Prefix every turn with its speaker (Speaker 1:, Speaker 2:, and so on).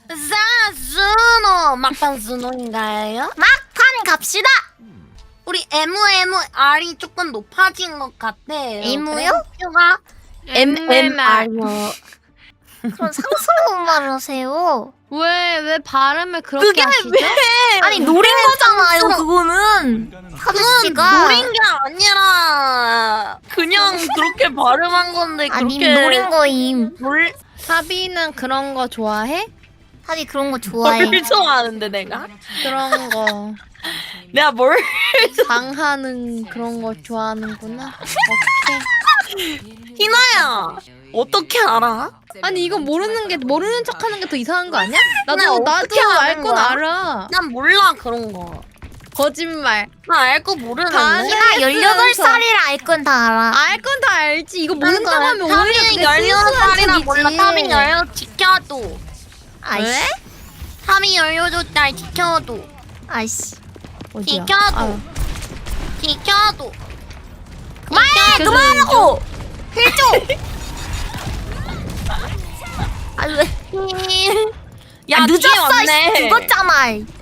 Speaker 1: 사스노 막판 스노인가요?
Speaker 2: 막판 갑시다.
Speaker 1: 우리 MMR이 조금 높아진 것 같아요.
Speaker 2: M요?
Speaker 1: 가 MMR요.
Speaker 2: 그럼 상스러운 말을 하세요.
Speaker 3: 왜 발음을 그렇게 하시죠?
Speaker 2: 아니 노린 거잖아요. 그거는 사주
Speaker 1: 그건
Speaker 2: 씨가
Speaker 1: 노린 게 아니라 그냥 그렇게 발음한 건데
Speaker 2: 아니
Speaker 1: 그렇게
Speaker 2: 노린 거임.
Speaker 1: 뭘
Speaker 3: 사비는 그런 거 좋아해?
Speaker 2: 사비 그런 거 좋아해.
Speaker 1: 뭘 좋아하는데 내가?
Speaker 3: 그런 거
Speaker 1: 내가 뭘?
Speaker 3: 방하는 그런 거 좋아하는구나. 오케이.
Speaker 1: 희나야 어떻게 알아?
Speaker 3: 아니 이거 모르는 척하는 게 더 이상한 거 아니야?
Speaker 1: 근데
Speaker 3: 나도
Speaker 1: 어떻게
Speaker 3: 알
Speaker 1: 아는
Speaker 3: 건
Speaker 1: 거야?
Speaker 3: 알아.
Speaker 1: 난 몰라 그런 거.
Speaker 3: 거짓말.
Speaker 1: 나 알 거 모르는데.
Speaker 3: 반은-
Speaker 2: 나 18살이라 알 건 다 알아.
Speaker 3: 알 건 다 알지. 이거 모른다고 하면 오히려
Speaker 1: 타민
Speaker 3: 그게
Speaker 1: 16살이라
Speaker 3: 순수한
Speaker 1: 몰라.
Speaker 3: 척이지.
Speaker 1: 타민 16 지켜도.
Speaker 2: 아이씨.
Speaker 3: 왜?
Speaker 1: 타민 16살 지켜도.
Speaker 2: 아이씨.
Speaker 3: 어디야?
Speaker 1: 지켜도.
Speaker 3: 아,
Speaker 1: 지켜도.
Speaker 2: 그만해! 그만하라고! 힐 아 왜?
Speaker 1: 야
Speaker 2: 늦었어.
Speaker 1: 왔네.
Speaker 2: 죽었잖아.